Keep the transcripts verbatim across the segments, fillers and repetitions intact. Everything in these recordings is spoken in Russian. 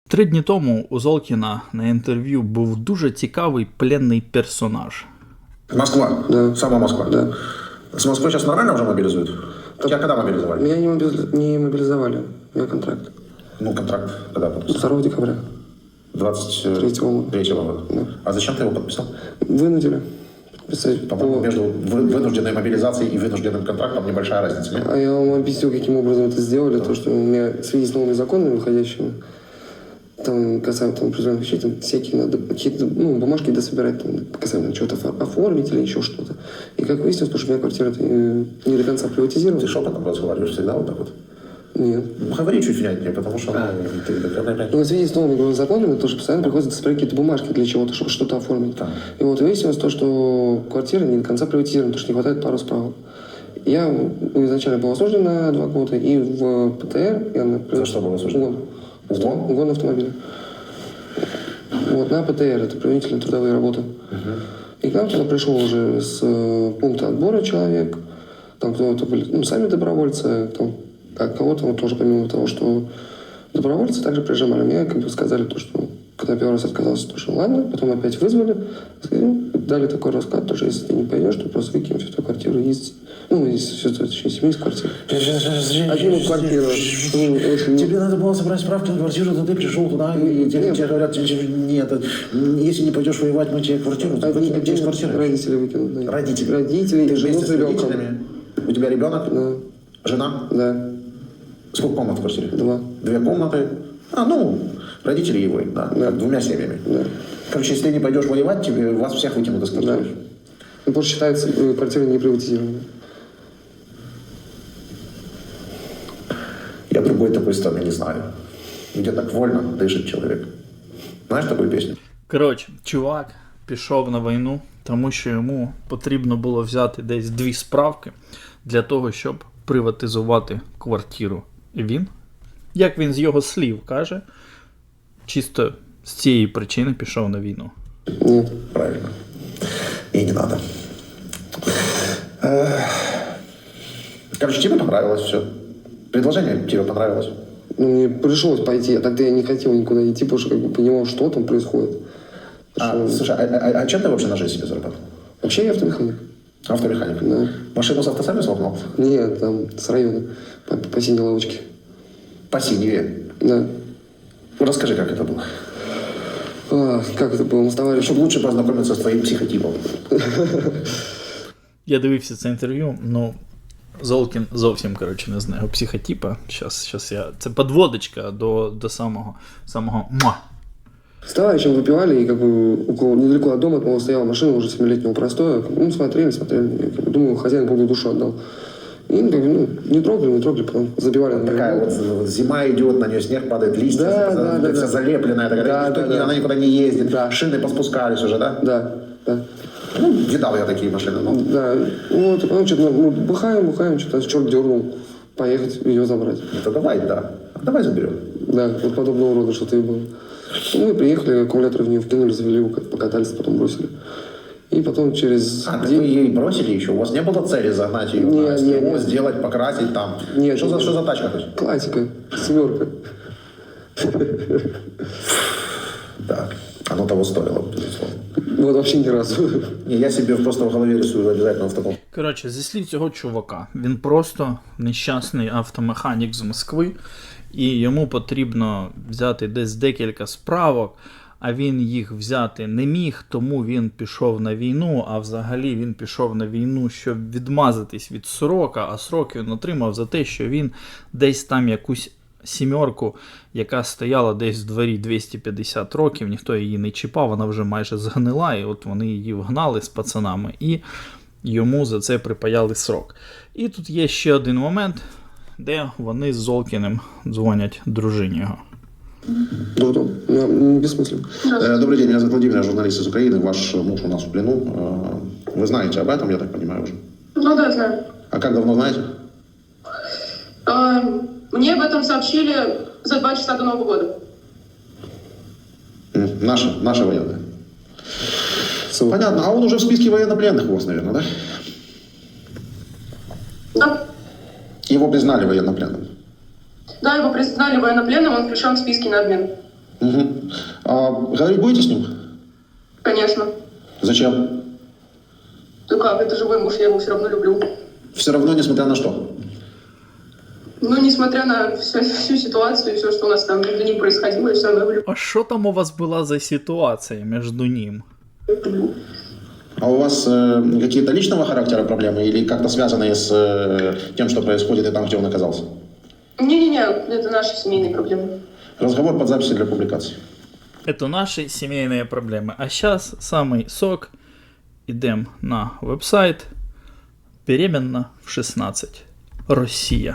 Три дні тому у Золкіна на інтерв'ю був дуже цікавий пленний персонаж. Москва, Да. Сама Москва. Да. С Москвы сейчас нормально уже мобилизуют? Тебя когда мобилизовали? Меня не, мобили- не мобилизовали. У меня контракт. Ну, контракт когда подписал? второго декабря. двадцать Третьего. третьего года. Да. А зачем ты его подписал? Вынудили подписать. По-моему, по- между вы- вынужденной мобилизацией и вынужденным контрактом небольшая разница. Нет? А я вам объясню, каким образом это сделали. То, что у меня в связи с новыми законами выходящими, там касаемо там, определенных вещей, там всякие надо какие-то ну, бумажки дособирать, там, касаемо чего-то офор- оформить или еще что-то. И как выяснилось, потому что у меня квартира э, не до конца приватизирована. Ты шепотом разговариваешь всегда вот так вот? Нет. Ну, говори чуть внятнее, потому что ну, ты... Ну, в связи с новыми законами тоже постоянно приходится собирать какие-то бумажки для чего-то, чтобы что-то оформить. Да. И вот выяснилось то, что квартира не до конца приватизирована, потому что не хватает пару справок. Я изначально был осужден на два года, и в ПТР я на... За что был осужден? Гон. Угон? Угон автомобиля. Вот, на ПТР, это принудительные трудовые работы. И к нам туда пришел уже с э, пункта отбора человек, там кто-то были, ну, сами добровольцы, там, а кого-то вот тоже помимо того, что добровольцы также прижимали. Мне как бы сказали то, что когда первый раз отказался, то что ладно, потом опять вызвали, сказали, ну, дали такой расклад, то, что если ты не пойдешь, то просто выкинем всю твою квартиру из, ну, из всю твою семью из квартиры. Один квартиру. Очень... Тебе надо было собрать справки на квартиру, то ты пришел туда, и тебе, Нет. тебе говорят, нет, если не пойдешь воевать, мы тебе квартиру, ты Один, выкинем тебе из один квартиры. родители выкинут. Да. Родители? Родители Ты и жену вместе с с ребенком. родителями? У тебя ребенок? Да, Жена? да, Сколько комнат в квартире? два. Две комнаты. А, ну, родители и вы, да, Да. как двумя семьями. Да. Короче, если ты не пойдешь воевать, тебе вас всех выкинут из Да. квартиры. Ну, просто считается э, квартира не приватизированной. Я другой такой страны не знаю. Где так вольно дышит человек. Знаешь такую песню? Коротше, чувак пішов на війну, тому що йому потрібно було взяти десь дві справки для того, щоб приватизувати квартиру. І він, як він з його слів каже, чисто з цієї причини пішов на війну. Нет. Правильно. И не надо. Эх. Короче, тебе понравилось все. Предложение тебе понравилось. Ну, мне пришлось пойти, а тогда я не хотел никуда идти, потому что как бы понимал, что там происходит. А, Что- слушай, а, а- а чем ты вообще на жизнь себе заработал? Вообще я автомеханик. Автомеханик. Да. Машину с автосервиса угнал? Нет, там с района, по, по синей лавочке. По синеве. Да. Ну, расскажи, как это было. А, как это было? Мы с товарищем... Чтобы лучше познакомиться с твоим психотипом. Я дивився це інтерв'ю, ну, Золкін зовсім, коротше, не знаю психотипа. Щас, щас я... Це подводочка до, до самого, самого муа. С товарищем выпивали, и как бы около, недалеко от дома, по-моему, стояла машина уже семилетнего простоя. Ну, смотрели, смотрели. Я, как бы, думаю, хозяин Богу душу отдал. И, ну, как бы, ну, не трогали, не трогали, потом забивали на Такая неё. вот, вот зима идет, на нее снег падает, листья, Да, за- да, да, вся да. залепленная, такая, Да, никто да, не- да. она никуда не ездит, Да. шины поспускались уже, да? Да, да. Ну, видал я такие машины. Ну. Да, вот, потом что-то, ну, бухаем, бухаем, что-то черт дернул поехать ее забрать. Это давай, да. Давай заберем. Да, вот подобного рода что-то и было. Ну, мы приехали, аккумулятор в нее вкинули, завели, как покатались, потом бросили. И потом через А, так день... вы ей бросили еще? У вас не было цели загнать ее Не, на не, СТО, не. сделать, покрасить там? Нет, что, за, нет. что за тачка хоть? Классика, семерка. Так, оно того стоило, безусловно. Вот вообще ни разу. Не, я себе просто в голове рисую обязательно в таком. Коротше, зі слів цього чувака, він просто нещасний автомеханік з Москви, і йому потрібно взяти десь декілька справок, а він їх взяти не міг, тому він пішов на війну, а взагалі він пішов на війну, щоб відмазатись від срока, а срок він отримав за те, що він десь там якусь сімерку, яка стояла десь в дворі двісті п'ятдесят років, ніхто її не чіпав, вона вже майже згнила, і от вони її вгнали з пацанами, і йому за це припаяли срок. І тут є ще один момент, де вони з Золкіним дзвонять дружині його. Да, да, я, м, бессмысленно. Э, Добрый день, меня зовут Владимир, я журналист из Украины. Ваш муж у нас в плену. Э, Вы знаете об этом, я так понимаю, уже? Ну да, знаю. А как давно знаете? А, Мне об этом сообщили за два часа до Нового года. М, Наши, наши военные. Ссылка. Понятно. А он уже в списке военнопленных у вас, наверное, да? Да, Его признали военнопленным. да, его признали военнопленным, он включен в списки на обмен. Угу. А говорить будете с ним? Конечно. Зачем? Ну как, это живой муж, я его все равно люблю. Все равно, несмотря на что? Ну, несмотря на всю, всю ситуацию и все, что у нас там между ним происходило, я все равно его люблю. А що там у вас була за ситуація між ним? А у вас э, какие-то личного характера проблемы или как-то связанные с э, тем, что происходит и там, где он оказался? Не-не-не, это наши семейные проблемы. Разговор под записи для публикации. Это наши семейные проблемы. А сейчас самый сок. Идем на веб-сайт. Беременна в шестнадцать. Россия.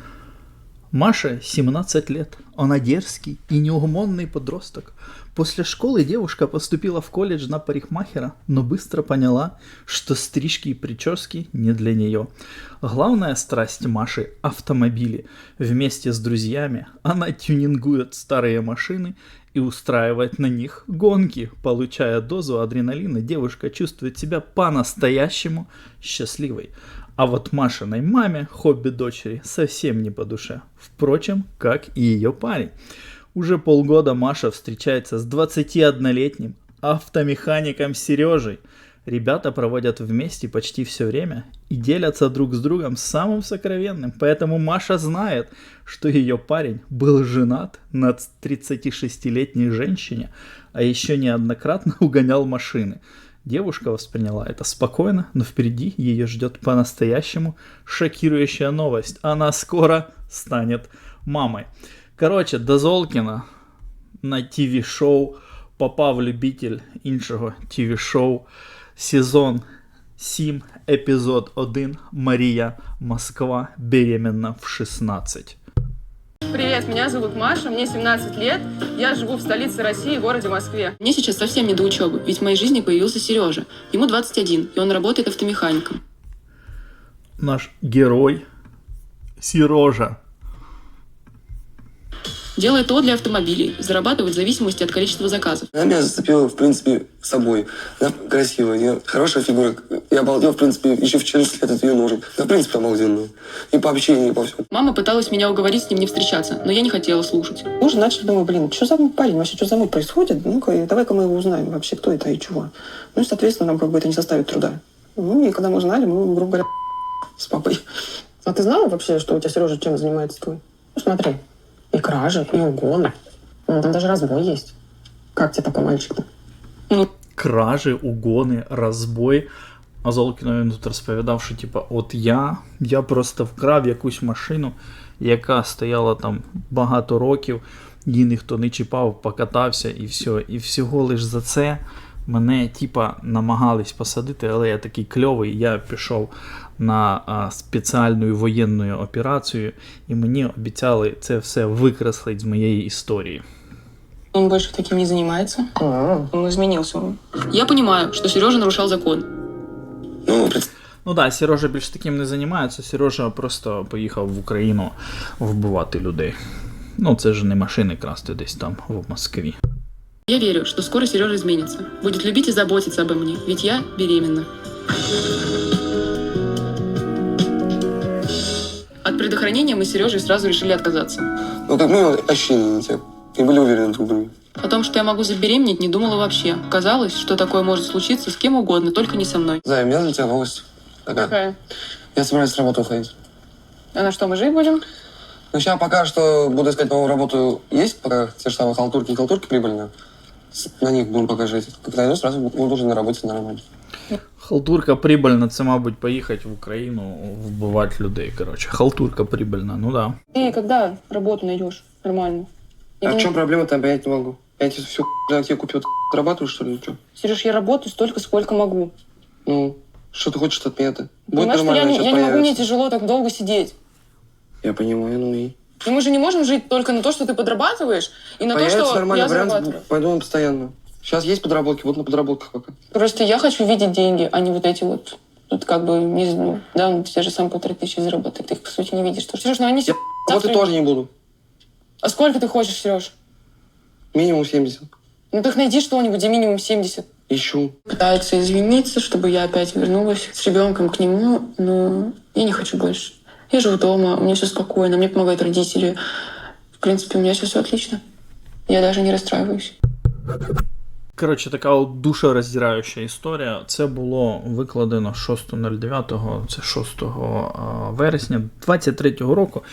Маше семнадцать лет. Она дерзкий и неугомонный подросток. После школы девушка поступила в колледж на парикмахера, но быстро поняла, что стрижки и прически не для нее. Главная страсть Маши – автомобили. Вместе с друзьями она тюнингует старые машины и устраивает на них гонки. Получая дозу адреналина, девушка чувствует себя по-настоящему счастливой. А вот Машиной маме хобби дочери совсем не по душе. Впрочем, как и ее парень. Уже полгода Маша встречается с двадцатиоднолетним автомехаником Сережей. Ребята проводят вместе почти все время и делятся друг с другом самым сокровенным. Поэтому Маша знает, что ее парень был женат на тридцатишестилетней женщине, а еще неоднократно угонял машины. Девушка восприняла это спокойно, но впереди ее ждет по-настоящему шокирующая новость. Она скоро станет мамой. Коротше, до Золкіна на ті ві-шоу попав любитель іншого ті ві-шоу. Сезон сім, епізод один. Мария, Москва, беременна в шестнадцать. Привет, меня зовут Маша, мне семнадцать лет, я живу в столице России, городе Москве. Мне сейчас совсем не до учебы, ведь в моей жизни появился Сережа. Ему двадцать один, и он работает автомехаником. Наш герой Сережа. Делает ТО для автомобилей, зарабатывает в зависимости от количества заказов. Она меня зацепила, в принципе, собой. Она красивая, у нее хорошая фигура. Я обалдел, в принципе, еще в четырнадцать лет от ее ножек. Она, в принципе, обалденная. И по общению, и по всему. Мама пыталась меня уговорить с ним не встречаться, но я не хотела слушать. Мы уже начали, думаю, блин, что за парень, вообще, что за муть происходит? Ну-ка, давай-ка мы его узнаем вообще, кто это и чего. Ну и, соответственно, нам как бы это не составит труда. Ну и когда мы узнали, мы, грубо говоря, с папой. А ты знала вообще, что у тебя Сережа чем занимается твой? Ну смотри, и кражи, и угоны. Ну, там даже разбой есть. Как тебе такой мальчик-то? Ну, Кражі, угони, розбой. А Золкіно він тут розповідав, що типа, от я, я просто вкрав якусь машину, яка стояла там багато років, її ніхто не чіпав, покатався і все. І всього лиш за це мене типа намагались посадити, але я такий кльовий, я пішов на а, спеціальну воєнну операцію, і мені обіцяли це все викреслити з моєї історії. он больше таким не занимается. Он изменился. Я понимаю, что Сережа нарушал закон. Ну, представь, Ну так, да, Сережа більш таким не займається, Сережа просто поїхав в Україну вбивати людей. Ну, це ж не машини красти десь там, в Москві. Я верю, что скоро Сережа изменится. Будет любить и заботиться обо мне, ведь я беременна. От предохранения мы с Сережей сразу решили отказаться. ну, как минимум, ощущения на тебя. И были уверены друг в друге. О том, что я могу забеременеть, не думала вообще. Казалось, что такое может случиться с кем угодно, только не со мной. Зая, у меня для тебя новость. Такая. Какая? Я собираюсь с работы уходить. А на что, мы жить будем? Ну, сейчас пока что буду искать новую работу. Есть пока те же самые халтурки и халтурки прибыльные. С- На них будем пока жить. Как найду, сразу буду уже на работе нормально. Халтурка прибыльна, це, мабуть, поїхати в Україну вбивати людей, коротше. Халтурка прибыльна, ну да. Ты когда работу найдешь нормально? А в чем проблема, там понять не могу. Я тебе всю для тебя купил, ты отрабатываешь, что ли, или что? Сереж, я работаю столько, сколько могу. Ну, что ты хочешь от меня-то? Будет Понимаешь, что я, нормально, не, сейчас я не могу, мне появится. тяжело так долго сидеть. Я понимаю, ну и... И мы же не можем жить только на то, что ты подрабатываешь, и на Появится то, что нормальный я вариант, зарабатываю. пойду на постоянно. Сейчас есть подработки, вот на подработках пока. Просто я хочу видеть деньги, а не вот эти вот, тут как бы, не знаю, да, ну, те же самые полторы тысячи заработать, ты их, по сути, не видишь. Сереж, ну они... Я работать тоже не буду. А сколько ты хочешь, Сереж? Минимум семьдесят. Ну так найди что-нибудь, где минимум семьдесят. Ищу. Пытается извиниться, чтобы я опять вернулась с ребенком к нему, но я не хочу больше. Я живу дома, у меня все спокойно, мне помогают родители. В принципе, у меня сейчас все отлично. Я даже не расстраиваюсь. Коротше, така от душероздираюча історія. Це було викладено шостого дев'ятого, це шостого вересня двадцять третього року.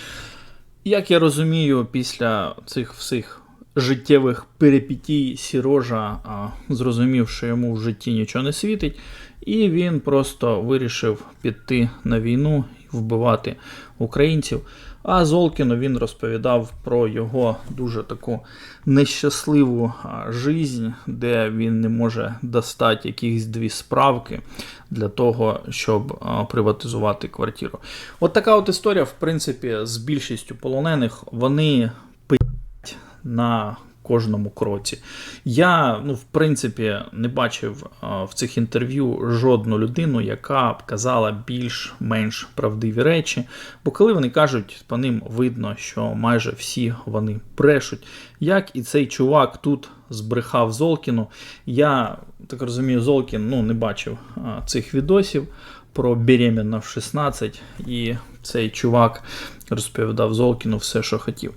Як я розумію, після цих всіх життєвих перипетій Сережа а, зрозумів, що йому в житті нічого не світить, і він просто вирішив піти на війну і вбивати українців. А Золкіну він розповідав про його дуже таку нещасливу жизнь, де він не може достати якісь дві справки для того, щоб приватизувати квартиру. От така от історія, в принципі, з більшістю полонених. Вони пи***ять на кожному кроці. Я, ну, в принципі, не бачив а, в цих інтерв'ю жодну людину, яка б казала більш-менш правдиві речі, бо коли вони кажуть, по ним видно, що майже всі вони брешуть. Як і цей чувак тут збрехав Золкіну. Я, так розумію, Золкін, ну, не бачив а, цих відосів про беременна в шістнадцять, і цей чувак розповідав Золкіну все, що хотів.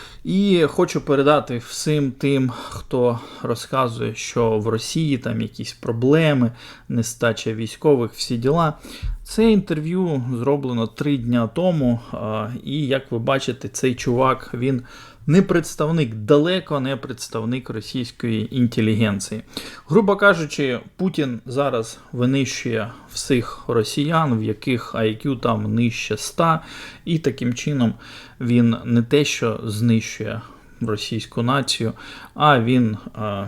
І хочу передати всім тим, хто розказує, що в Росії там якісь проблеми, нестача військових, всі діла. Це інтерв'ю зроблено три дня тому, і, як ви бачите, цей чувак, він не представник, далеко не представник російської інтелігенції. Грубо кажучи, Путін зараз винищує всіх росіян, в яких ай к'ю там нижче ста, і таким чином він не те, що знищує російську націю, а він,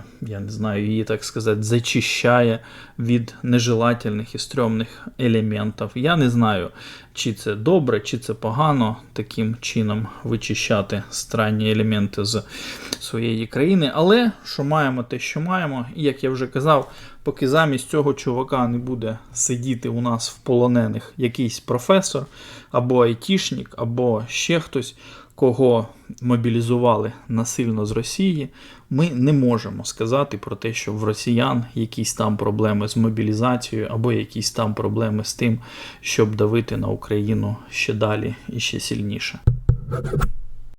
я не знаю, її, так сказати, зачищає від нежелательних і стрьомних елементів. Я не знаю, чи це добре, чи це погано таким чином вичищати странні елементи з своєї країни, але що маємо, те, що маємо. І, як я вже казав, поки замість цього чувака не буде сидіти у нас в полонених якийсь професор, або айтішник, або ще хтось, кого мобілізували насильно з Росії, ми не можемо сказати про те, що в росіян якісь там проблеми з мобілізацією, або якісь там проблеми з тим, щоб давити на Україну ще далі і ще сильніше.